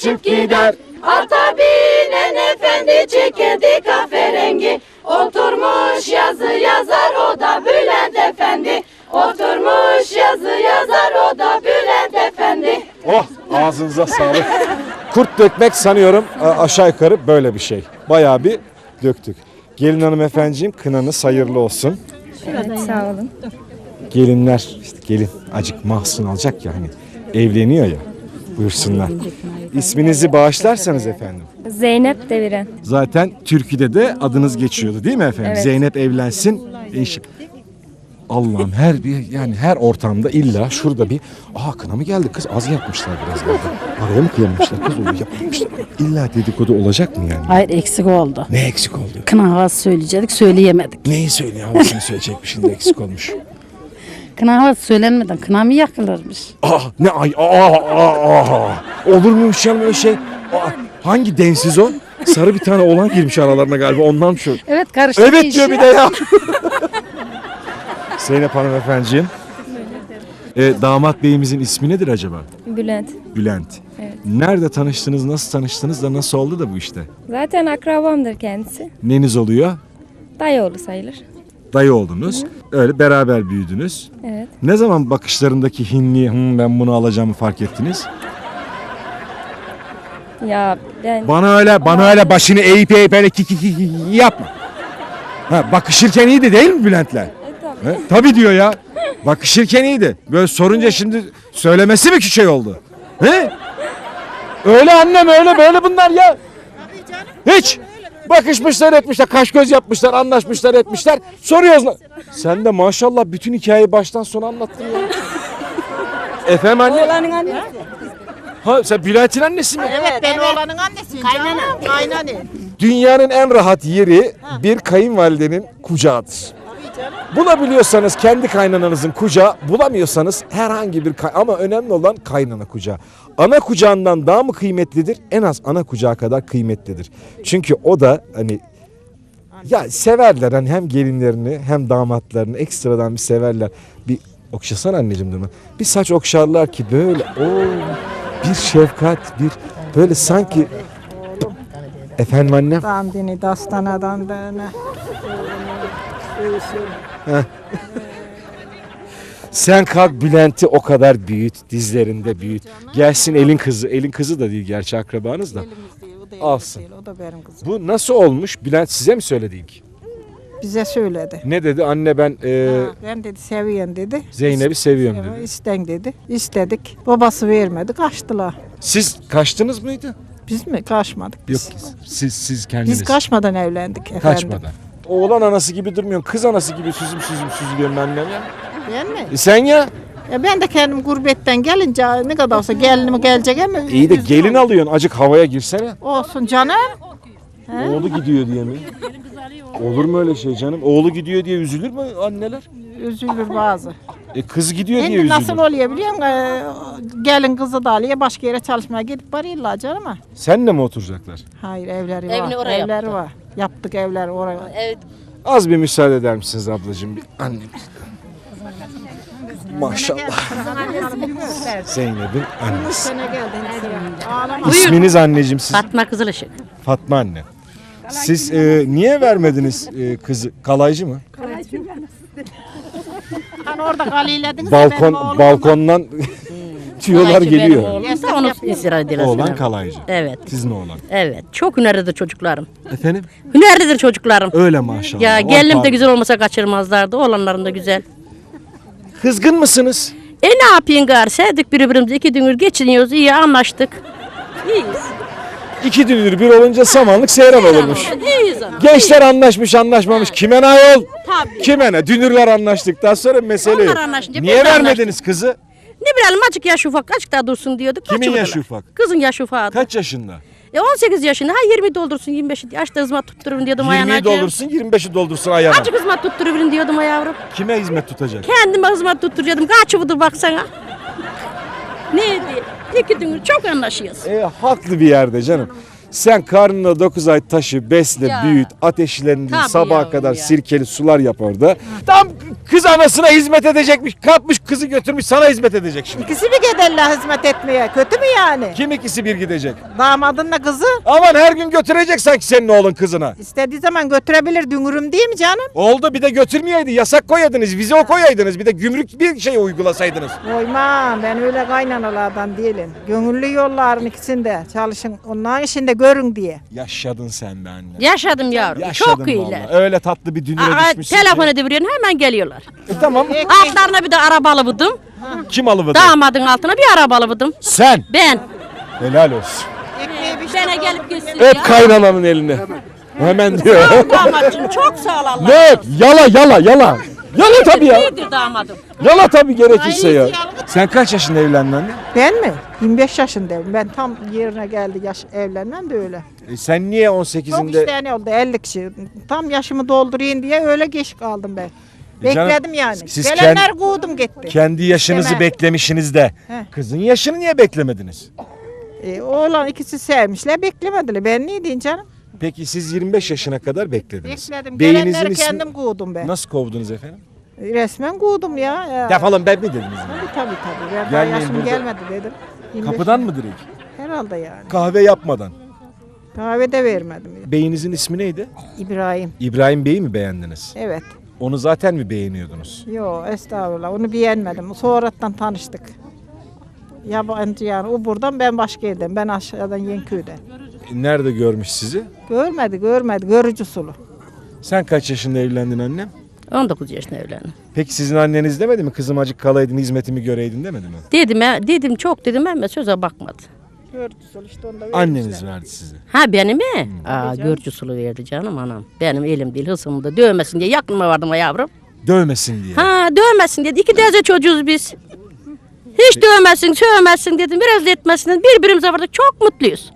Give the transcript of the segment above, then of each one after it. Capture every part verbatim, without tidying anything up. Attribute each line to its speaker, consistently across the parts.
Speaker 1: uçup gider.
Speaker 2: Ata binen efendi çekirdi kahverengi. Oturmuş yazı yazar o da Bülent Efendi. Oturmuş yazı yazar o da Bülent Efendi.
Speaker 1: Oh, ağzınıza sağlık. Kurt dökmek sanıyorum aşağı yukarı böyle bir şey. Bayağı bir döktük. Gelin hanımefendiciğim, kınanız hayırlı olsun.
Speaker 3: Evet, sağ olun.
Speaker 1: Gelinler, işte gelin acık mahzun alacak ya hani evleniyor ya. Buyursunlar. İsminizi bağışlarsanız efendim.
Speaker 3: Zeynep Deviren.
Speaker 1: Zaten türküde de adınız geçiyordu değil mi efendim?
Speaker 3: Evet.
Speaker 1: Zeynep evlensin. Eşim. Allah'ım her bir yani her ortamda illa şurada bir aa kına mı geldi kız az yapmışlar biraz galiba. Araya mı kıyamamışlar kız onu yapmamışlar. İlla dedikodu olacak mı yani?
Speaker 4: Hayır eksik oldu.
Speaker 1: Ne eksik oldu?
Speaker 4: Kına havası söyleyecektik söyleyemedik.
Speaker 1: Neyi söylüyor havasını söyleyecekmiş şimdi eksik olmuş.
Speaker 4: Kına havası söylenmeden kına mı yakılırmış?
Speaker 1: Aa ne ay aa, aa, aa. Olur muymuş canım öyle şey? Aa, hangi densiz o? Sarı bir tane oğlan girmiş aralarına galiba ondan şu.
Speaker 4: Evet karıştı.
Speaker 1: Evet diyor bir de ya. Zeynep hanımefendiciğim. E, damat beyimizin ismi nedir acaba?
Speaker 3: Bülent.
Speaker 1: Bülent.
Speaker 3: Evet.
Speaker 1: Nerede tanıştınız, nasıl tanıştınız da nasıl oldu da bu işte?
Speaker 3: Zaten akrabamdır kendisi.
Speaker 1: Neniz oluyor?
Speaker 3: Dayıoğlu sayılır.
Speaker 1: Dayı oldunuz. Öyle beraber büyüdünüz.
Speaker 3: Evet.
Speaker 1: Ne zaman bakışlarındaki hinliği "Hı, ben bunu alacağımı fark ettiniz?
Speaker 3: Ya ben
Speaker 1: Bana öyle, bana öyle başını eğip eğip öyle ki ki ki ki yapma. Ha, bakışırken iyiydi değil mi Bülent'le?
Speaker 3: E, tabii.
Speaker 1: He? Tabii diyor ya. Bakışırken iyiydi. Böyle sorunca şimdi söylemesi mi ki şey oldu? He? Öyle annem öyle böyle bunlar ya. Hiç. Bakışmışlar etmişler, kaş göz yapmışlar, anlaşmışlar etmişler. Soruyoruz. lan. Sen de maşallah bütün hikayeyi baştan sona anlattın ya. Efendim anne?
Speaker 5: Oğlanın annesi.
Speaker 1: Ha sen Bülent'in annesi mi?
Speaker 5: Evet, ben oğlanın annesiyim. Kaynana. Kaynana.
Speaker 1: Dünyanın en rahat yeri bir kayınvalidenin kucağıdır. Bulabiliyorsanız kendi kaynananızın kucağı, bulamıyorsanız herhangi bir kay- ama önemli olan kaynana kucağı. Ana kucağından daha mı kıymetlidir? En az ana kucağı kadar kıymetlidir. Çünkü o da hani ya severler hani hem gelinlerini hem damatlarını ekstradan bir severler. Bir okşasana anneciğim durma. Bir saç okşarlar ki böyle o bir şefkat bir böyle sanki efendim annem.
Speaker 5: Dandini dastana dandana.
Speaker 1: Sen kalk Bülent'i o kadar büyüt, dizlerinde büyüt. Gelsin elin kızı, elin kızı da değil gerçi akrabanız da. Alsın.
Speaker 5: O da benim kızım.
Speaker 1: Bu nasıl olmuş? Bülent size mi söyledi ilk?
Speaker 5: Bize söyledi.
Speaker 1: Ne dedi? Anne ben e,
Speaker 5: Ha, ben dedi seviyen dedi.
Speaker 1: Zeynep'i seviyorum
Speaker 5: Evet,
Speaker 1: dedi.
Speaker 5: İsten dedi. İstedik. Babası vermedi. Kaçtılar.
Speaker 1: Siz kaçtınız mıydı?
Speaker 5: Biz mi? Kaçmadık
Speaker 1: Yok
Speaker 5: biz.
Speaker 1: siz siz kendiniz.
Speaker 5: Biz kaçmadan evlendik efendim.
Speaker 1: Kaçmadan. Oğlan anası gibi durmuyorsun. Kız anası gibi süzüm süzüm süzülüyorum annem ya.
Speaker 5: Ben mi?
Speaker 1: E sen ya?
Speaker 5: Ya ben de kendim gurbetten gelince ne kadar olsa gelinim gelecek ama.
Speaker 1: İyi de
Speaker 5: üzgün
Speaker 1: gelin
Speaker 5: oldum.
Speaker 1: alıyorsun. Acık havaya girsene.
Speaker 5: Olsun canım.
Speaker 1: Oğlu gidiyor diye mi? Olur mu öyle şey canım? Oğlu gidiyor diye üzülür mü anneler?
Speaker 5: Üzülür bazı.
Speaker 1: E kız gidiyor diye
Speaker 5: Şimdi
Speaker 1: üzülür.
Speaker 5: nasıl oluyor biliyor musun? Ee, Gelin kızı da alıyor başka yere çalışmaya gidip varıyorlar canım ama.
Speaker 1: Senle mi oturacaklar?
Speaker 5: Hayır evleri
Speaker 4: Evini
Speaker 5: var.
Speaker 4: oraya
Speaker 5: evleri
Speaker 4: yaptı.
Speaker 5: var. Yaptık evler oraya.
Speaker 4: Evet.
Speaker 1: Az bir müsaade eder misiniz ablacığım? Bir annem. Maşallah. Zeynep'in annesi.
Speaker 5: Sene geldin. Ağlama.
Speaker 1: İsminiz anneciğim siz?
Speaker 4: Fatma Kızılışık.
Speaker 1: Fatma anne. Siz e, niye vermediniz e, kızı? Kalaycı mı?
Speaker 5: Hani orada kalilediniz de benim
Speaker 1: Balkon
Speaker 5: oğlum
Speaker 1: balkondan tüyolar geliyor.
Speaker 4: Oğlumsa onu istirahat ediyorlar.
Speaker 1: Oğlan kalaycı.
Speaker 4: Evet.
Speaker 1: Sizin oğlan.
Speaker 4: Evet. Çok hünerlidir çocuklarım.
Speaker 1: Efendim?
Speaker 4: Hünerlidir çocuklarım.
Speaker 1: Öyle maşallah.
Speaker 4: Ya
Speaker 1: On
Speaker 4: gelinim de
Speaker 1: parmak.
Speaker 4: güzel olmasa kaçırmazlardı. Oğlanlarım da güzel.
Speaker 1: Kızgın mısınız?
Speaker 4: E ne yapayım gar? Sevdik birbirimizi. İki dünür geçiniyoruz. İyi anlaştık. İyiyiz.
Speaker 1: İki dünür bir olunca samanlık seyran olurmuş.
Speaker 4: İyiyiz ama.
Speaker 1: Gençler anlaşmış anlaşmamış. Kime ne ayol?
Speaker 4: Tabii.
Speaker 1: Kime ne? Dünürler anlaştıktan sonra mesele yok.
Speaker 4: Onlar anlaşınca
Speaker 1: Niye
Speaker 4: biz de
Speaker 1: vermediniz kızı?
Speaker 4: Ne bilelim azıcık yaş ufak. Azıcık daha dursun diyorduk.
Speaker 1: Kimin
Speaker 4: kaçırdılar.
Speaker 1: yaşı ufak?
Speaker 4: Kızın yaşı ufak.
Speaker 1: Kaç yaşında?
Speaker 4: E on sekiz yaşında. Ha yirmi doldursun yirmi beş. Yaşta hizmet tutturun diyordum ayağına.
Speaker 1: yirmiyi doldursun yirmi beşi doldursun ayağına.
Speaker 4: Azıcık hizmet tutturun diyordum ya yavrum.
Speaker 1: Kime hizmet tutacak?
Speaker 4: Kendime hizmet tutturacaktım. Kaç budur baksana. Neydi? İki dünür çok anlaşıyoruz.
Speaker 1: E, haklı bir yerde canım. Sen karnına dokuz ay taşı, besle,
Speaker 4: Ya.
Speaker 1: büyüt, ateşlendir,
Speaker 4: Tabii
Speaker 1: sabaha
Speaker 4: yavrum
Speaker 1: kadar
Speaker 4: ya.
Speaker 1: sirkeli sular yap orada. Tam kız anasına hizmet edecekmiş. Kalkmış kızı götürmüş sana hizmet edecek şimdi.
Speaker 5: İkisi mi giderler hizmet etmeye? Kötü mü yani?
Speaker 1: Kim ikisi bir gidecek?
Speaker 5: Damadınla kızı
Speaker 1: Aman her gün götürecek sanki senin oğlun kızına.
Speaker 5: istediği zaman götürebilir dünürüm değil mi canım?
Speaker 1: Oldu bir de götürmeyeydi. Yasak koyaydınız, vize o koyaydınız. Bir de gümrük bir şey uygulasaydınız.
Speaker 5: Koymam ben öyle kaynanalardan değilim. Gönüllü yolların ikisinde çalışın. Onların işinde görün diye.
Speaker 1: Yaşadın sen be anne.
Speaker 4: Yaşadım yavrum.
Speaker 1: Yaşadın
Speaker 4: Çok iyiler.
Speaker 1: vallahi. Öyle tatlı bir dünüre
Speaker 4: Aa,
Speaker 1: düşmüşsün
Speaker 4: telefon
Speaker 1: ki.
Speaker 4: ediveriyorsun hemen geliyorlar.
Speaker 1: E, tamam.
Speaker 4: Altlarına bir de araba alıvırdım.
Speaker 1: Kim alıvırdı?
Speaker 4: Damadın altına bir araba alıvırdım.
Speaker 1: Sen.
Speaker 4: Ben.
Speaker 1: Helal olsun.
Speaker 5: Ekmeği bir
Speaker 4: Bana gelip gitsin
Speaker 1: Hep
Speaker 4: ya.
Speaker 1: kaynananın eline. Hemen diyor.
Speaker 4: Damatçım çok sağ ol Allah.
Speaker 1: Ne? Yala yala yala. Yala tabii ya.
Speaker 4: İyidir damadım.
Speaker 1: Yala tabii gerekirse ya. Sen kaç yaşında evlendin anne?
Speaker 5: Ben mi? yirmi beş yaşındayım. Ben tam yerine geldi yaş evlenmem de öyle.
Speaker 1: E sen niye on
Speaker 5: Çok
Speaker 1: sekizinde?
Speaker 5: isteyen oldu elli kişi. Tam yaşımı doldurayım diye öyle geç kaldım ben.
Speaker 1: E canım,
Speaker 5: Bekledim yani.
Speaker 1: siz
Speaker 5: Gelenler
Speaker 1: kend-
Speaker 5: kovdum gitti.
Speaker 1: Kendi yaşınızı
Speaker 5: İstemem.
Speaker 1: beklemişsiniz de.
Speaker 5: Heh.
Speaker 1: Kızın yaşını niye beklemediniz?
Speaker 5: E, oğlan ikisi sevmişler beklemediler. Ben ne diyeyim canım?
Speaker 1: Peki siz yirmi beş yaşına kadar beklediniz.
Speaker 5: Bekledim.
Speaker 1: Beyinizin
Speaker 5: Gelenleri
Speaker 1: ismi-
Speaker 5: kendim kovdum ben.
Speaker 1: Nasıl kovdunuz efendim?
Speaker 5: Resmen kovdum ya. ya.
Speaker 1: Defolun ben mi dediniz?
Speaker 5: Tabii tabii tabii. Ben daha
Speaker 1: Gelmeyin
Speaker 5: yaşım
Speaker 1: burada.
Speaker 5: gelmedi dedim. yirmi beş
Speaker 1: Kapıdan mı direkt?
Speaker 5: Herhalde yani.
Speaker 1: Kahve yapmadan.
Speaker 5: Kahve de vermedim.
Speaker 1: Beyinizin ismi neydi?
Speaker 5: İbrahim.
Speaker 1: İbrahim Bey'i mi beğendiniz?
Speaker 5: Evet.
Speaker 1: Onu zaten mi beğeniyordunuz?
Speaker 5: Yo estağfurullah onu beğenmedim. Sonradan tanıştık. Yabancı yani. O buradan ben başka yerden. Ben aşağıdan Yenköy'den.
Speaker 1: E, Nerede görmüş sizi?
Speaker 5: Görmedi görmedi. Görücü sulu.
Speaker 1: Sen kaç yaşında evlendin annem?
Speaker 4: on dokuz yaşında evlendim.
Speaker 1: Peki sizin anneniz demedi mi? Kızım acık kalaydın hizmetimi göreydin demedi mi?
Speaker 4: Dedim, he, dedim çok dedim ama söze bakmadı.
Speaker 5: Görücü sulu işte onda
Speaker 1: Anneniz verdi size.
Speaker 4: Ha benim mi? Aa görücü sulu verdi canım anam. Benim elim değil hısımda dövmesin diye yakınıma vardım ha yavrum.
Speaker 1: Dövmesin diye.
Speaker 4: Ha dövmesin dedi. İki teyze çocuğuz biz. Hiç dövmesin, sövmesin dedim. Biraz da etmesin dedim. Birbirimize vardık. Çok mutluyuz.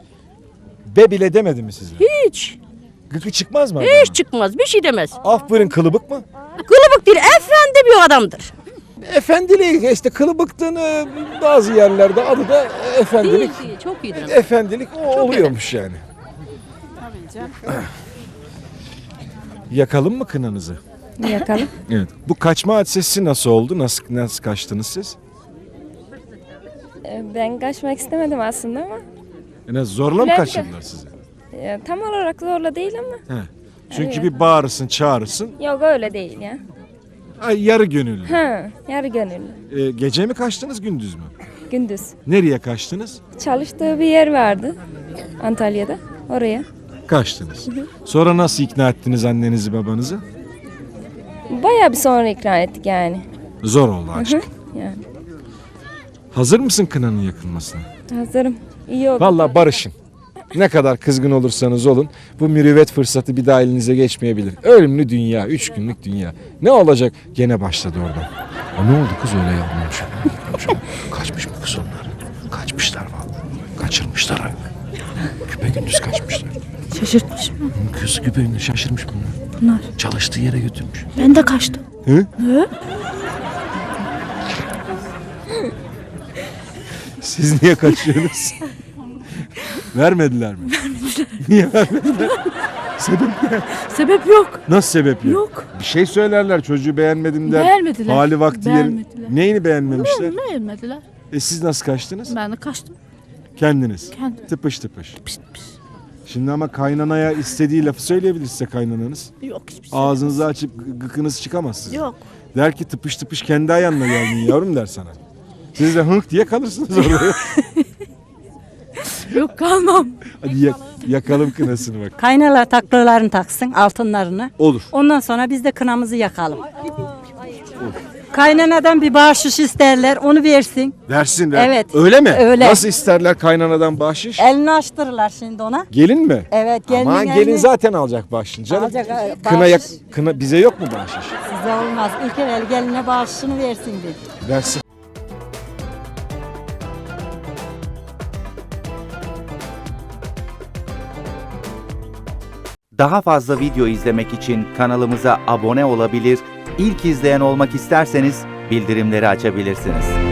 Speaker 1: Be bile demedi mi size?
Speaker 4: Hiç.
Speaker 1: Gıkı çıkmaz mı?
Speaker 4: Hiç çıkmaz. Bir şey demez.
Speaker 1: Aferin kılıbık mı?
Speaker 4: Kılıbık değil. Efendi bir adamdır.
Speaker 1: Efendiliği işte kılıbıktığını bazı yerlerde adı da efendilik.
Speaker 4: değil. Çok iyidir.
Speaker 1: Efendilik o oluyormuş yani. Yakalım mı kınanızı?
Speaker 3: Yakalım.
Speaker 1: Evet. Bu kaçma hadisesi nasıl oldu? Nasıl nasıl kaçtınız siz?
Speaker 3: Ee, Ben kaçmak istemedim aslında ama
Speaker 1: En az zorla mı
Speaker 3: Bülent-
Speaker 1: kaçırdılar sizi?
Speaker 3: e, tam olarak zorla değil ama.
Speaker 1: He. Çünkü bir bağırırsın, çağırırsın.
Speaker 3: Yok öyle değil ya.
Speaker 1: Ay yarı gönüllü.
Speaker 3: Ha, yarı gönüllü.
Speaker 1: Ee, gece mi kaçtınız, gündüz mü?
Speaker 3: Gündüz.
Speaker 1: Nereye kaçtınız?
Speaker 3: Çalıştığı bir yer vardı Antalya'da. Oraya.
Speaker 1: Kaçtınız. Sonra nasıl ikna ettiniz annenizi, babanızı?
Speaker 3: Bayağı bir sonra ikna ettik yani.
Speaker 1: Zor oldu aşk.
Speaker 3: Yani
Speaker 1: Hazır mısın kınanın yakılmasına?
Speaker 3: hazırım. İyi oldu.
Speaker 1: Vallahi barışın. Ne kadar kızgın olursanız olun bu mürüvvet fırsatı bir daha elinize geçmeyebilir. Ölümlü dünya, üç günlük dünya. Ne olacak? Gene başladı oradan. O ne oldu kız öyle yapmamış? Kaçmış mı kız onlar? Kaçmışlar vallahi. Kaçırmışlar abi. Küpe gündüz kaçmışlar.
Speaker 6: Şaşırtmış mı?
Speaker 1: Kız küpe gündüz şaşırmış bunlar.
Speaker 6: Bunlar.
Speaker 1: Çalıştığı yere götürmüş.
Speaker 6: Ben de kaçtım.
Speaker 1: Hı? Siz niye kaçıyorsunuz? Vermediler mi? Vermediler. Niye vermediler? Sebep ne?
Speaker 6: Sebep yok.
Speaker 1: Nasıl sebep yok?
Speaker 6: Yok.
Speaker 1: Bir şey söylerler çocuğu beğenmedim der.
Speaker 6: Beğenmediler.
Speaker 1: Hali vakti yerin.
Speaker 6: Beğenmediler.
Speaker 1: Neyini beğenmemişler?
Speaker 6: Beğenmediler.
Speaker 1: E siz nasıl kaçtınız?
Speaker 6: Ben de kaçtım.
Speaker 1: Kendiniz.
Speaker 6: Kendim.
Speaker 1: Tıpış tıpış.
Speaker 6: Pişt pişt.
Speaker 1: Şimdi ama kaynanaya istediği lafı söyleyebilir size kaynananız.
Speaker 6: Yok hiçbir şey.
Speaker 1: Ağzınızı açıp gı- gıkınız çıkamaz sizin.
Speaker 6: Yok.
Speaker 1: Der ki tıpış tıpış kendi ayağınla geldin yavrum der sana. Siz de hınk diye kalırsınız orada.
Speaker 6: Yok kalmam.
Speaker 1: Hadi yak- yakalım kınasını bak.
Speaker 7: Kaynalar taklalarını taksın, altınlarını.
Speaker 1: Olur.
Speaker 7: Ondan sonra biz de kınamızı yakalım. Kaynanadan bir bahşiş isterler, onu versin.
Speaker 1: Versin ver.
Speaker 7: Evet.
Speaker 1: Öyle mi?
Speaker 7: Öyle.
Speaker 1: Nasıl isterler kaynanadan bahşiş?
Speaker 7: Elini açtırırlar şimdi ona.
Speaker 1: Gelin mi?
Speaker 7: Evet, gelinin
Speaker 1: Aman
Speaker 7: elini-
Speaker 1: gelin zaten alacak bahşişini canım.
Speaker 7: Alacak, e,
Speaker 1: Kına, yak-
Speaker 7: bahşiş.
Speaker 1: kına bize yok mu bahşiş?
Speaker 7: Size olmaz. İlk el geline bahşişini versin bir.
Speaker 1: Versin.
Speaker 8: Daha fazla video izlemek için kanalımıza abone olabilir, ilk izleyen olmak isterseniz bildirimleri açabilirsiniz.